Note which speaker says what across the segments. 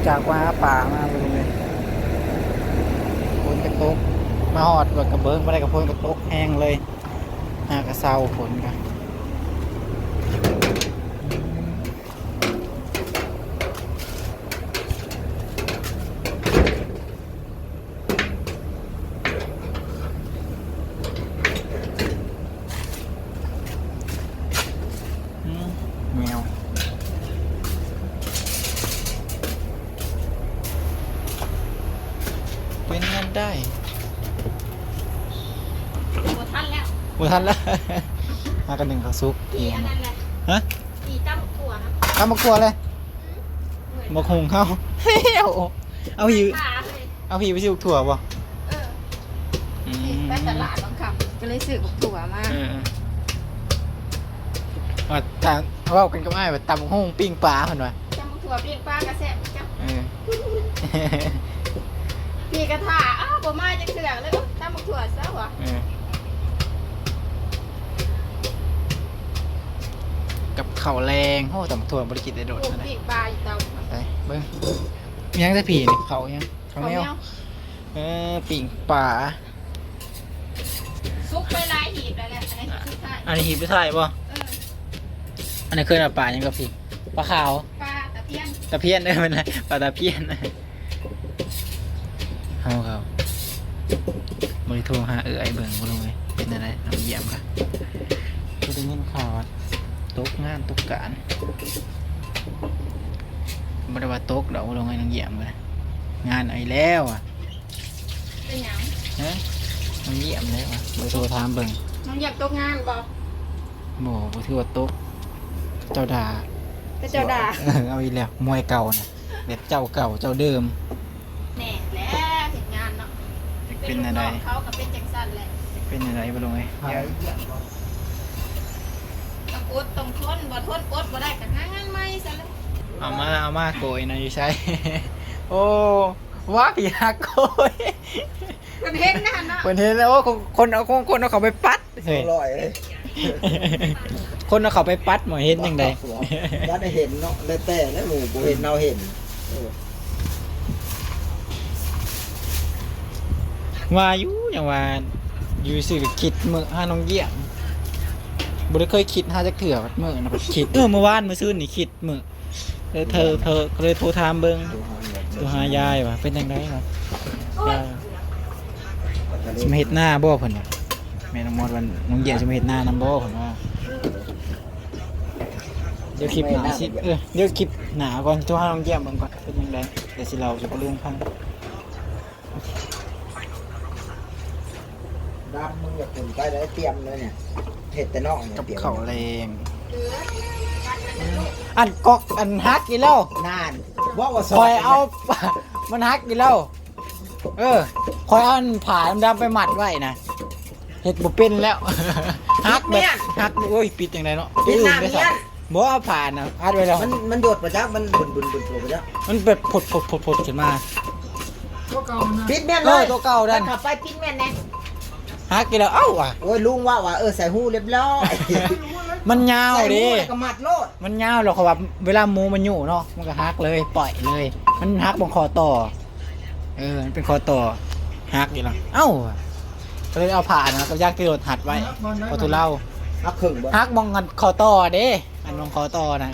Speaker 1: จากว่าป่ามาเลยฝนกระตกมาหอดแบบกระเบิ้งไม่ได้กระพนกระตกแห้งเลยหากระเซาฝนกันแมวเป็นงานได้
Speaker 2: หมดทันแล้ว
Speaker 1: หมดทันแล้วมากันหนึ่งข้าวซุปเอ
Speaker 2: อี
Speaker 1: ง
Speaker 2: อันนั้นแหละ
Speaker 1: ฮะ
Speaker 2: อีจ้ำถั่วนะ
Speaker 1: ข้าวมะกรัวเลยมะคงเข้าเอาหิว
Speaker 2: ขาเลย
Speaker 1: เอาผีไปสิถั่วป่ะ
Speaker 2: เออไปตลาดบางคำก็เลยซื้อกับถั่วมา
Speaker 1: ว่าทางว่ากันก็ไม่แบบตำห้องปิ้งปลาเหมือนว่า
Speaker 2: จ้ำถั่วเปียกปลากระแซบจ้ำ
Speaker 1: เออ
Speaker 2: พี่กระถาอ้าวบ่มาจะเถื่อนเลยจ้ำถั่วซะวะ
Speaker 1: กับเข่าวแรงโอ้ตำถั่วบริกิตได้โดด
Speaker 2: ปลูก
Speaker 1: นะ
Speaker 2: ปีกปลาอยู่เตา
Speaker 1: ไปเบิ้งยังแต่ผีนี่เขายังเขาไม่เอาปิ้งปลา
Speaker 2: ซุกไปลายหีบแล้วแหละอันนี้คือใช่
Speaker 1: อันนี้หีบไปใส่ป่ะอันนี้เคยเอาปลายังกับพี่ปลาขาว
Speaker 2: ปลาตะเพียน
Speaker 1: ตะเพียนได้เป็นไรปลาตะเพียนเอาครับบริโทรหาไอ้เบิ่งบ่ลงเลยเป็นอะไรน้ำเยี่ยมค่ะก็ได้ยินข่าวว่าตกงานตกการบริวาตกเดี๋ยวบ่ลงให้น้ำเยี่ยมเลยงานไอ้แล้วอ่ะ
Speaker 2: เป็นหยัง
Speaker 1: ฮะน้ำเยี่ยมเลยว่ะบริโทรถามเบิ่ง
Speaker 2: น้องอยากตกงานบ่
Speaker 1: บ่ถือว่าตกเจ้าด่า
Speaker 2: ก็เจ้าด่า
Speaker 1: เอาอีกแล้วมวยเก่านะแบบเจ้าเก่าเจ้าเดิม
Speaker 2: แน่แล้วเห็นงานเนาะ
Speaker 1: เป็นอะไร
Speaker 2: ลูกน้องเขากับเป็นจังสันแหละ
Speaker 1: เป็นอะไรบ่ลงเลยเดี๋ยว
Speaker 2: ต้องอดต้องทนบ่ทนอดบ่ได้ก็หางานใหม่ซะแล้ว
Speaker 1: เอามาโกยนะอยู่ใช่ โอ้ว่าผีหักโกย
Speaker 2: มันเห็นนะเนาะ
Speaker 1: เปิดเห็นแล้วว่าคนเอาเขาไปปัดเฮ้ย
Speaker 3: อร่อยเลย
Speaker 1: คนเอาเขาไปปัดหมอเห็นยังไง
Speaker 3: ว่าได้เห็นเนาะได้แต่แล้วหมูบ่เห็นเราเห็น
Speaker 1: ว่าอยู่อย่างว่าอยู่สื่อคิดมือห้าน้องเยี่ยมบุได้เคยคิดห้าจะเถื่อมือนะคิดเมื่อวานเมื่อซื้อนี่คิดมือเธอก็เลยโทรถามเบิ้งตัวหายายว่ะเป็นยังไงครับจะมาเห็ดหน้าบ่เพิ่นว่ะแม่น้องมดวันน้องเยี่ยมจะมาเห็ดหน้านำบ่เพิ่นว่าเดี๋ยวคลิปหนาสิเดี๋ยวคลิปหนาก่อนตัวห้าน้องเยี่ยมเบิ่งก่อนเป็นยังไงเดี๋ยวสิเราจะไปเรื่องพัง
Speaker 3: ดำมึงอย่าขุนไปได้เตรียมเลยเนี่ยเห็ดแต่นอกเนี่ย
Speaker 1: กับ
Speaker 3: เตรียม
Speaker 1: เขาแรง
Speaker 2: เหลือการเงินลูก
Speaker 1: อันกอกอันฮักกี่แล้ว
Speaker 3: นานว่า
Speaker 1: ค
Speaker 3: ซ
Speaker 1: อยเอา มันฮักกี่แล้วคอยเอาอันผ่าดำๆไปหมัดไว้นะเห็ดบ่เป็นแล้วฮักแบบฮักโอ้ยปิดยังไงเนาะ
Speaker 3: ปิดหน้า
Speaker 1: ไป
Speaker 3: เมียน
Speaker 1: บ่เอาผ่านะพัดไว้แล้ว
Speaker 3: มันโดดประจักษ์มันบุนประจักษ์
Speaker 1: มันแบบผดขึ้นมา
Speaker 3: ปิดเมียน
Speaker 1: เอ
Speaker 3: เล
Speaker 1: อย ตัวเก่าดัน
Speaker 3: ขับไปปิดเมียนแน่
Speaker 1: ฮักกี่แล้วเอ้าว่ะ
Speaker 3: โอ้ยลุงว่าใส่หูเรียบร้อย
Speaker 1: มันยาว
Speaker 3: ใส่หู
Speaker 1: ดิ
Speaker 3: แล้วก็มัดโลด
Speaker 1: มันยาวหรอกเขาว่าเวลาหมูมันอยู่เนาะมันก็ฮักเลยปล่อยเลย มันฮักบนคอต่อมันเป็นคอต่อฮักอยู่แล้วเอ้าก็เลยเอาผ่านนะกับยากที่โดดหัดไว้พอทุเล่า
Speaker 3: ฮักครึ่งบ่
Speaker 1: ฮักมองกันคอต่อเด้อันมองคอต่อนะ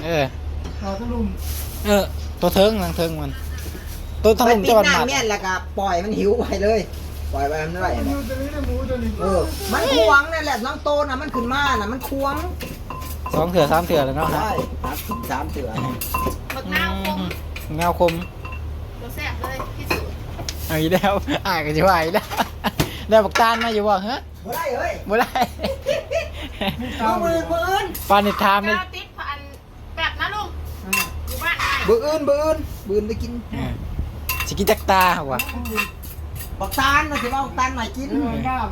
Speaker 1: ตัวเทิงทางเทิงมันตัวทาง
Speaker 3: ไป
Speaker 1: ลุม
Speaker 3: ปิด
Speaker 1: จะบัด
Speaker 3: หน้า
Speaker 1: หมัด
Speaker 3: เมียนแล้วก็ปล่อยมันหิวไปเลยปล่อยไปมันได้มันควงนั่นแหละน้องโตน่ะมันขึ้นมาน่ะมันควง
Speaker 1: 2 เถื่อ 3 เถื่อแล้วเนาะฮะ
Speaker 3: ใช่ครับ3เถื่อ
Speaker 2: บักนาวคม
Speaker 1: เงาคม
Speaker 2: รสแซ่บเลยที่สุด
Speaker 1: เอาอีกแล้วก็จะว่าอีกแล้วได้บักตานมาอยู่บ่ฮะ
Speaker 3: บ่ได้เฮ้ย
Speaker 1: บ่ได้
Speaker 3: มือ
Speaker 1: ปานิทามนี่
Speaker 2: กาวติดพันแบบนะลุงอยู่บ้านไอ้
Speaker 3: บืออื่นไปกิน
Speaker 1: สิกินจักตาว่ะ
Speaker 3: บักตาลนะสิว่าบักตาลใหม่กิน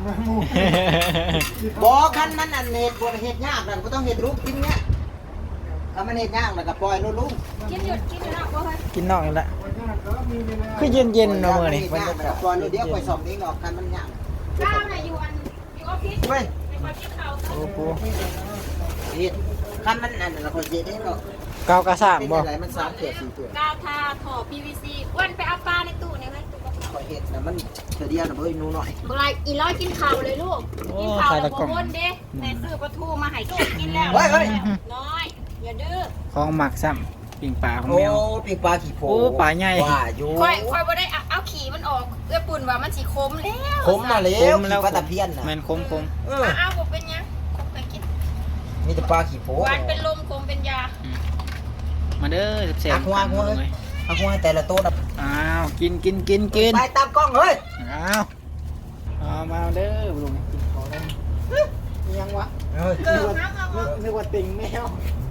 Speaker 3: บอกคันมันอันเห็ดบนเห็ดยากนั่นก็ต้องเห็ดลูกกินเนี้ยถ้ามันเห็ดยากแล้วก็ปล่อยลูก
Speaker 2: กินหยุดกินอยู่นอกบ่เฮ้ย
Speaker 1: กินนอกนี่แหละคือเย็นๆเนาะมื้อนี้
Speaker 3: มันก็ปล่อยลูกเดียวปล่อยสองนี้หรอกคันมันยาก
Speaker 2: ข้าวน่ะอยู่ออฟฟิศ
Speaker 3: เว้ย
Speaker 2: ในความคิดเขา
Speaker 1: โอ้โห
Speaker 3: เห็ดคันมันอันนั้นเราคนเห็ดเองหรอก
Speaker 1: เกากระสร้าง
Speaker 3: เป็น
Speaker 1: บ่
Speaker 3: อะไรมัน3เถื่อ4เถื่อ
Speaker 2: ก้าวทาถอ PVC อ้วนไปเอาปลาในตู้เนี่ยเลยตู้กระเป๋า
Speaker 3: ข่อยเฮ็ดน่ะมันเถื่อเดียวน่ะเบิ่งหนูหน่อย
Speaker 2: อะไรอีร้อยกินข้าวเลยลูก
Speaker 1: โอ้
Speaker 2: กินข้าว
Speaker 1: ใคร
Speaker 2: แล้
Speaker 1: ตะ
Speaker 2: ว
Speaker 1: กล้อง
Speaker 2: วนเด้แม่ซื้อปลาทูมาให้ลูกกินแล้ว
Speaker 3: เฮ้ย
Speaker 2: น้อยอย่าดื้อ
Speaker 1: ของหมักซ้ำปิ่งปลาของ
Speaker 3: โอ้
Speaker 1: แมว
Speaker 3: ปีกปลาขี้โพ
Speaker 1: โอ้ปลาใหญ่
Speaker 3: ว่าอยู่
Speaker 2: ค่อยบ่ได้เอาขี่มันออกเอื้อปุ่นว่ามันสิคมแล้ว
Speaker 3: คมมาแล้ว
Speaker 1: คมแล้ว
Speaker 3: ขี้ปลาตะเพียนน่ะ
Speaker 1: แม่นคม
Speaker 3: เออ
Speaker 2: เอาบ่เป็นหยังคมไปกิน
Speaker 3: มีแต่ปลาขี้โพ
Speaker 2: หวานเป็นลมคมเป็นยา
Speaker 1: มาเด้อแซ่บ
Speaker 3: หัวเอ้ยเอาหัวให้แต่ละโต๊ะน่ะ
Speaker 1: อ้าวกิน
Speaker 3: ไปตามกล้องเฮ้ย
Speaker 1: อ้าวเอามาเด้อลุงกินขอได้ยังวะ
Speaker 3: เฮ้ย
Speaker 2: เกิดครับเอา
Speaker 1: นึกว่าติ่งแมว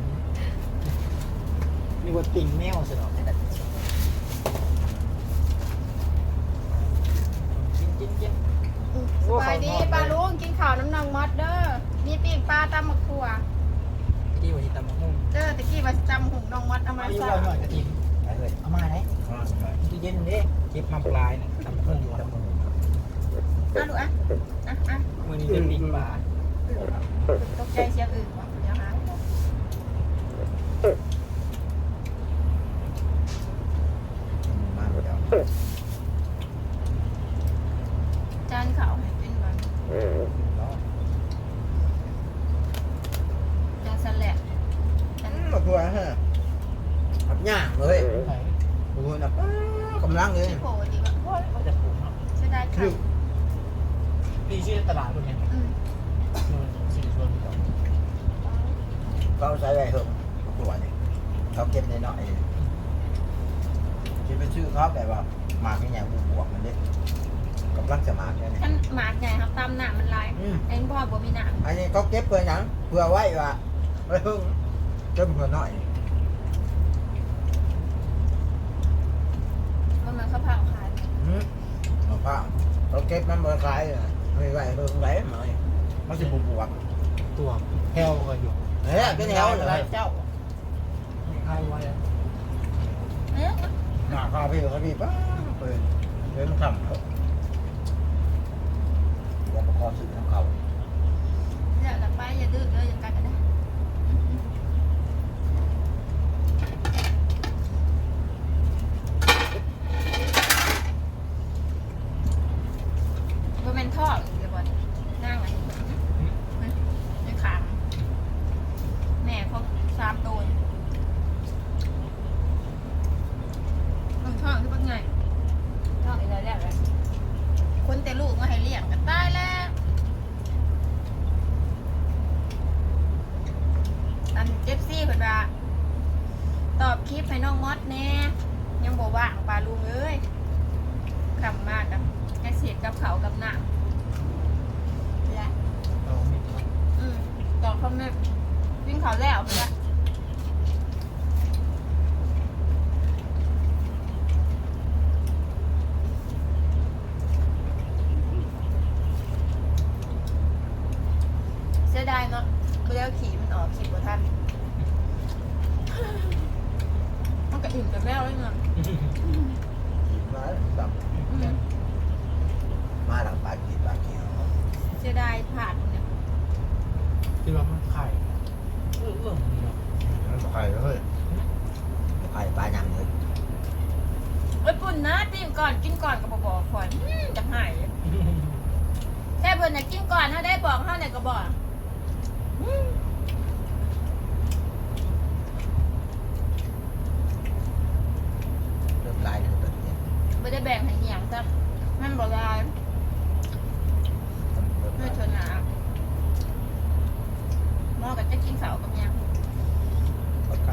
Speaker 1: นึกว่าติ่งแมวสิเนาะกิน
Speaker 2: สบายดีปลาลุงกินข้าวน้ำนองมอดเด้อมีปิ้งปลาตำมะขั่ว
Speaker 1: ที่ว่าที่ตำมะฮุ่ง
Speaker 2: เด้อตะกี้ว่าสิตำหุ่งน้องมอดเอามา
Speaker 1: อายุ
Speaker 2: ใส่
Speaker 1: ว่าหน่อยกระถิ่น
Speaker 3: ไปเลย
Speaker 1: เอามาไหนตู้เย็นเด้เก็บมาปลายนะตำมะฮุ่งอยู่ตำมะฮุ่ง
Speaker 2: อ่ะลูกอ่ะอ่ะ
Speaker 1: มื้อนี้จะปิ่งปลา
Speaker 2: ตกใจเสียงอื่นวะเดี๋ยวหาจานข้าวให้กินก่อนจานสลัดจาน
Speaker 3: มาตัวฮะขับย่างเลยดูนะกำลังเลย
Speaker 2: ที่โผล่ดีกว่า
Speaker 1: ก็จะปลูกเนาะ
Speaker 2: เสียดายไข่
Speaker 1: ดีชื่อตลาดคนนี้
Speaker 2: อืม
Speaker 1: สี่ชวนก่อน
Speaker 3: เขาใช้ไว้เหอะตัวนี่เขาเก็บในหน่อยคิดเป็นชื่อเขาแบบว่าหมากไม่ใหญ่บวกมันเด็กกำลังจะหมากเนี่ย
Speaker 2: ท่านหมากใหญ่ครับตามหนามันลายเอ็นพ่อบ่มีหนา
Speaker 3: อันนี้เขาเก็บเพื่อหยังเพื่อไว้ว่าไว้เพิ่งเก็บเพื่อหน่อย
Speaker 2: มันข้าวเผาขาย
Speaker 3: มะพร้าวเขาเก็บมันบริขายไม่ไหวเพิ่งไหลมามันจะบวก
Speaker 1: ตัวแพ้วก็อยู่
Speaker 3: เฮ้ยเป็นแนวเลย
Speaker 1: เจ้าใครไว้
Speaker 2: เอ๊ะ
Speaker 3: หน้าข้าวพี่เขาพี่ป้าเปิดเดินทำเขาว่าประกอบสื่อของเขา
Speaker 2: อย่าหลับไปอย่าดื้อเลยอย่ากัดกันนะบ่แม่นท่อเดี๋ยวบ่นั่งอันนี้ในขางแม่เขา3 ตัวมันท่อคือเป็นไงท่ออีกแล้วแหละคนแต่ลูกมาให้เลี้ยงกันตายแล้ว อันเจฟซี่เพิ่นว่าตอบคลิปให้น้องมอสแน่ยังบ่ว่างปลาลุงเอ้ยคำมากกับแค่เสียกับเขาวกับน้ำและตอบคอมเมนต์วิ่งเขาวแล้วเพิ่นละเสียดายเนาะบ่ได้เอาขี่มันออกขี่บ่ทันมันก็อิ่มกับแมวเลยเนาะ
Speaker 3: มาแบบมาหลังปลากีปลาเกียว
Speaker 2: เสียดายผ่านเนี่ย
Speaker 1: ที่ว่ามันไข่เนาะ
Speaker 3: มันไข่เลยไข่ปลายังเลย
Speaker 2: เอ้ยปุ่นนะจิ้มก่อนกินก่อนก็บอกก่อนจะหายแค่เพิ่นน่ะกินก่อนถ้าได้บอกเฮาเนี่ยก็บอก
Speaker 3: เริ่มลายเลยตัวนี้
Speaker 2: ไม่ได้แบ่งให้เหี่ยงจ้ะมันบ่ลายไม่ชนหนาหม้อก็จะกินเสากับยัง
Speaker 3: ไข่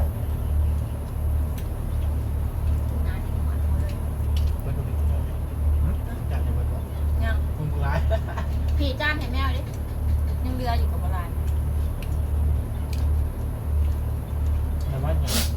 Speaker 2: นาที่หมดเลย
Speaker 1: มันดูดิจากในวันก่อน
Speaker 2: ยัง
Speaker 1: คุณร้าย
Speaker 2: พี่จ้านให้แมวดิยังเรืออยู่กับโบราณ
Speaker 1: แต่ว่าอย่าง